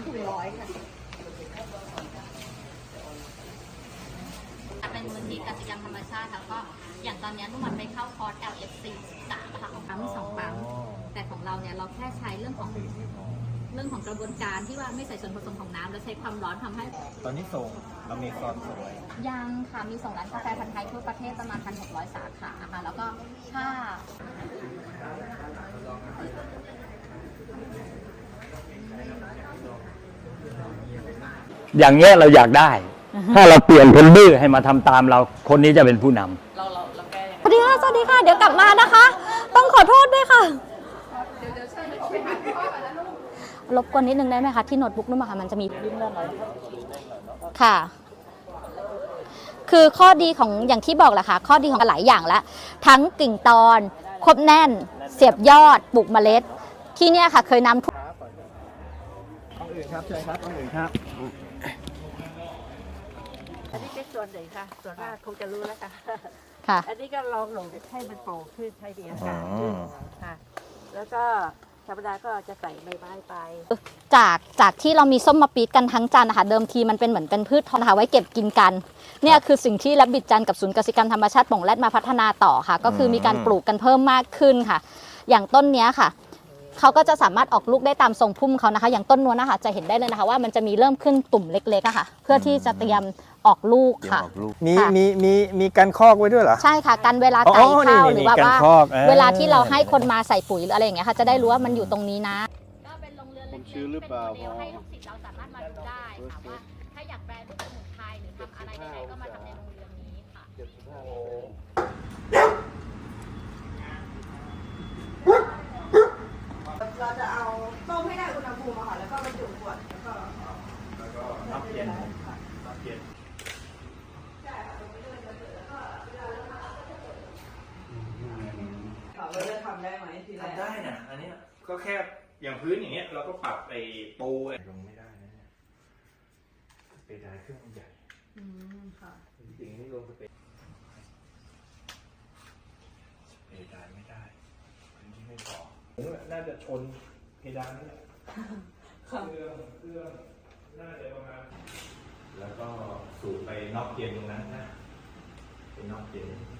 ถุง100ค่ะเป็นมูลนิธิกสิกรรมธรรมชาติแล้วก็อย่างตอนนี้นุ่มไปเข้าคอร์ส LFC 3ค่ะของปั๊ม2ปั๊มแต่ของเราเนี่ยเราแค่ใช้เรื่องของกระบวนการที่ว่าไม่ใส่ส่วนผสมของน้ำแล้วใช้ความร้อนทำให้ตอนนี้ส่งเรามีซอนส่งอะไรยังค่ะมีส่งร้านกาแฟพันธุ์ไทยทั่วประเทศประมาณ 1,600 สาขาค่ะแล้วก็ถ้าอย่างเงี้ยเราอยากได้ ถ้าเราเปลี่ยนคนดื้อให้มาทำตามเราคนนี้จะเป็นผู้นำเราแก้ยังไงสวัสดีค่ะเดี๋ยวกลับมานะคะต้องขอโทษด้วยค่ะรบกวนนิดนึงได้ไหมคะที่โน้ตบุ๊กนุ่มค่ะมันจะมีค่ะคือข้อดีของอย่างที่บอกแหละค่ะข้อดีของหลายอย่างแล้วทั้งกิ่งตอนครบแน่นเสียบยอดปลูกเมล็ดที่เนี่ยค่ะเคยนำต้องอื่นครับเชิญครับต้องอื่นครับอันนี้เป็นส่วนหนึ่งค่ะส่วนมากคงจะรู้แล้วค่ะค่ะอันนี้ก็ลองหลงให้มันโป่งขึ้นให้ดีอากาศขึ้นค่ะแล้วก็ธรรมดาก็จะใส่ใบไม้ไปจากที่เรามีส้มมาปี๊ดกันทั้งจันนะคะเดิมทีมันเป็นเหมือนเป็นพืชทองนะคะไว้เก็บกินกันเนี่ยคือสิ่งที่รับบิดจันกับศูนย์กสิกรรมธรรมชาติป่งแรดมาพัฒนาต่อค่ะก็คือมีการปลูกกันเพิ่มมากขึ้นค่ะอย่างต้นเนี้ยค่ะเขาก็จะสามารถออกลูกได้ตามทรงพุ่มเขานะคะอย่างต้นนู้นนะคะจะเห็นได้เลยนะคะว่ามันจะมีเริ่มขึ้นตุ่มเล็กๆค่ะเพื่อที่จะเตรียมออกลูกค่ะมีการคอกไว้ด้วยเหรอใช่ค่ะกันเวลาไก่เข้าหรือว่าเวลาที่เราให้คนมาใส่ปุ๋ยหรืออะไรอย่างเงี้ยค่ะจะได้รู้ว่ามันอยู่ตรงนี้นะก็เป็นโรงเรือนเล็กๆเป็นโมเดลให้ลูกศิษย์เราสามารถมาดูได้ค่ะว่าถ้าอยากแปลรูปสมุนไพรหรือทำอะไรใดๆก็มาทำในโรงเรือนนี้ค่ะเราจะเอาต้มให้ได้อุณหภูมิค่ะแล้วก็บรรจุขวดแล้วก็น้ำเย็นเราจะทำได้ไหมทีแรกทำได้นะอันนี้ก็แค่อย่างพื้นอย่างเงี้ยเราก็ปรับไอ้ปูลงไม่ได้นะเนี่ยเปดานเครื่องมันใหญ่ค่ะจริงๆนี่ลงเปดานไม่ได้พื้นที่ไม่พอน่าจะชนเพดานนั่นแหละเครื่องน่าจะประมาณแล้วก็สูบไปนอกเย็นตรงนั้นนะเป็นนอกเย็น